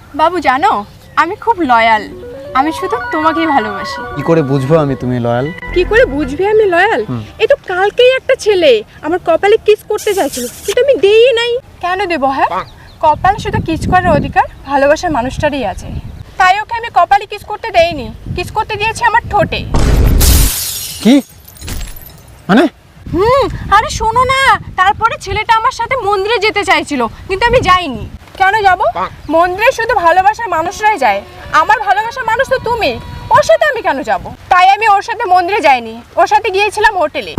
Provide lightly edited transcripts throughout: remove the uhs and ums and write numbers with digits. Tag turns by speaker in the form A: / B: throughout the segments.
A: বাবু জানো, আমি খুব লয়াল। আমি শুধু তোমাকেই ভালোবাসি।
B: কি করে বুঝবো আমি তুমি লয়াল?
A: কি করে বুঝবি আমি লয়াল? এই তো কালকেই একটা ছেলে আমার কপালে কিস করতে চাইছিল, কিন্তু আমি দেই নাই। কেন দেব? হ্যাঁ, কপালে শুধু কিস করার অধিকার ভালোবাসার মানুষটারই আছে, তাই ওকে আমি কপালে কিস করতে দেইনি। কিস করতে দিয়েছি আমার ঠোঁটে।
B: কি মানে?
A: আরে শোনো না, তারপরে ছেলেটা আমার সাথে মন্দিরে যেতে চাইছিল, কিন্তু আমি যাইনি। কেন যাব? মন্দিরে শুধু ভালোবাসার মানুষরাই যায়, আমার ভালোবাসার মানুষ তো তুমি। ওর সাথে আমি কেন যাব? তাই আমি ওর সাথে মন্দিরে যাইনি, ওর সাথে গিয়েছিলাম হোটেলে।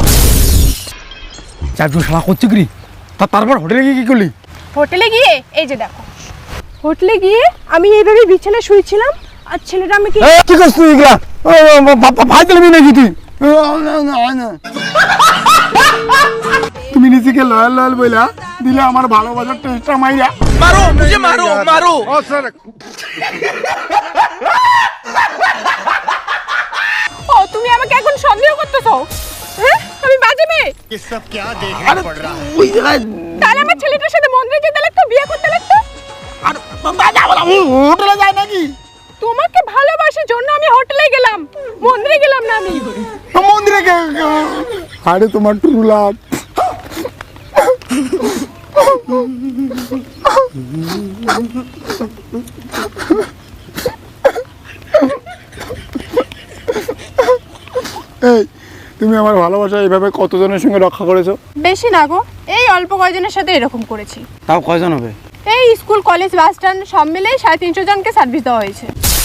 B: চারজন শালা করছে কি? তারপর হোটেলে গিয়ে কি করলি?
A: হোটেলে গিয়ে এই যে দেখো, হোটেলে গিয়ে আমি এইভাবে বিছানায় শুয়েছিলাম, আর ছেলেটা আমাকে
B: কি করছিস তুই এগুলা? ভাই দিলবি নাকি তুই? তুমি নিজেকে লয়াল লয়াল বইলা দিলে আমার ভালোবাসার টেস্টটা মাইরা।
C: मारो मुझे, मारो मारो।
A: ও তুমি আমাকে এখন সন্দেহ করতেছো? হ্যাঁ, আমি বাজে মেয়ে?
D: ये सब क्या देखना पड़ रहा है?
B: ওই জায়গায়
A: তাহলে আমার ছেলেটার সাথে মন্দিরে যেতে লাগতো, বিয়ে করতে লাগতো।
B: আর হোটেলে যায় নাকি?
A: তোমাকে ভালোবাসার জন্য আমি হোটেলে গেলাম, মন্দিরে গেলাম না। আমি
B: মন্দিরে আরে তোমার ট্রু লাভ। এই তুমি আমার ভালোবাসা এইভাবে কতজনের সঙ্গে রক্ষা করেছো?
A: বেশি না গো, এই অল্প কয়জনের সাথে এরকম করেছি।
B: তাও কয়জন হবে?
A: এই স্কুল, কলেজ, বাস স্ট্যান্ড সব মিলেই 350 জনকে সার্ভিস দেওয়া হয়েছে।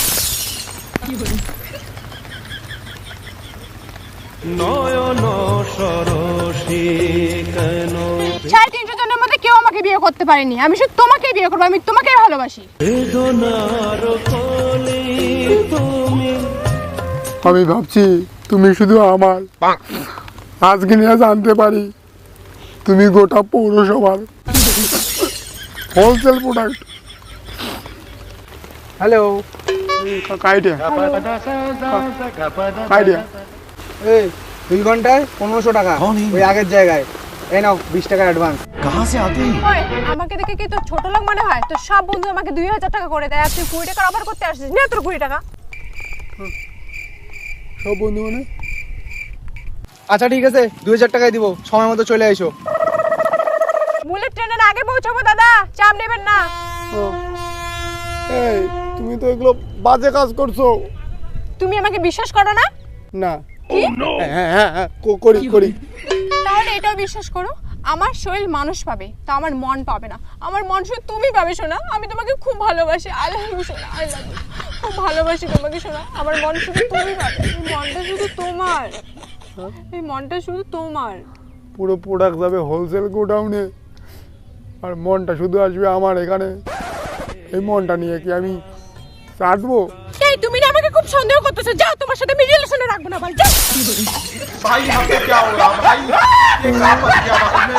A: 350 জনের মধ্যে কেউ আমাকে বিয়ে করতে পারেনি। আমি শুধু তোমাকেই বিয়ে করবো, আমি তোমাকেই ভালোবাসি।
B: আমি ভাবছি তুমি শুধু আমার, আজকে নিয়ে জানতে পারি তুমি গোটা পৌরসভার wholesale product.
E: Hello,
B: idea idea
E: এই 2 ঘন্টায় 1500 টাকা ওই আগের জায়গায়। এই নাও 20 টাকা অ্যাডভান্স।
A: ওই, আমাকে দেখে কি তোর ছোট লোক মনে হয়? তোর সব বন্ধু আমাকে 2000 টাকা করে দেয়, আর তুই 20 টাকা অফার করতে আসছিস না? তোর 20 টাকা
B: সব বন্ধু মানে?
E: আচ্ছা ঠিক আছে, 2000 টাকাই দিব, সময় মতো চলে আইসো।
A: বুলেট ট্রেনের আগে পৌঁছাবো দাদা, চাপ নেবেন না।
B: এই তুমি তো এগুলো বাজে কাজ করছো।
A: তুমি আমাকে বিশ্বাস করো না?
B: না।
A: কি?
B: হ্যাঁ হ্যাঁ হ্যাঁ করি করি।
A: তাহলে এটাও বিশ্বাস করো, আমার শরীর মানুষ পাবে, তা আমার মন পাবে না। আমার মন শুধু তুমি পাবে শোনা। আমি তোমাকে খুব ভালোবাসি, আই লাভ ইউ শোনা, আই লাভ ইউ। খুব ভালোবাসি তোমাকে শোনা। আমার মন শুধু তুমি পাবে, এই মনটা শুধু তোমার, এই মনটা শুধু তোমার।
B: পুরো প্রোডাক্ট যাবে হোলসেল গোডাউনে, আর মনটা শুধু আসবে আমার এখানে। এই মনটা নিয়ে কি আমি চাটবো?
A: এই তুমি না আমাকে খুব সন্দেহ করতেছো, যাও, তোমার সাথে আমি রিলেশনে রাখবো না, ভাই যাও।
C: भाई यहाँ पे क्या हो रहा भाई? ये क्या बच गया?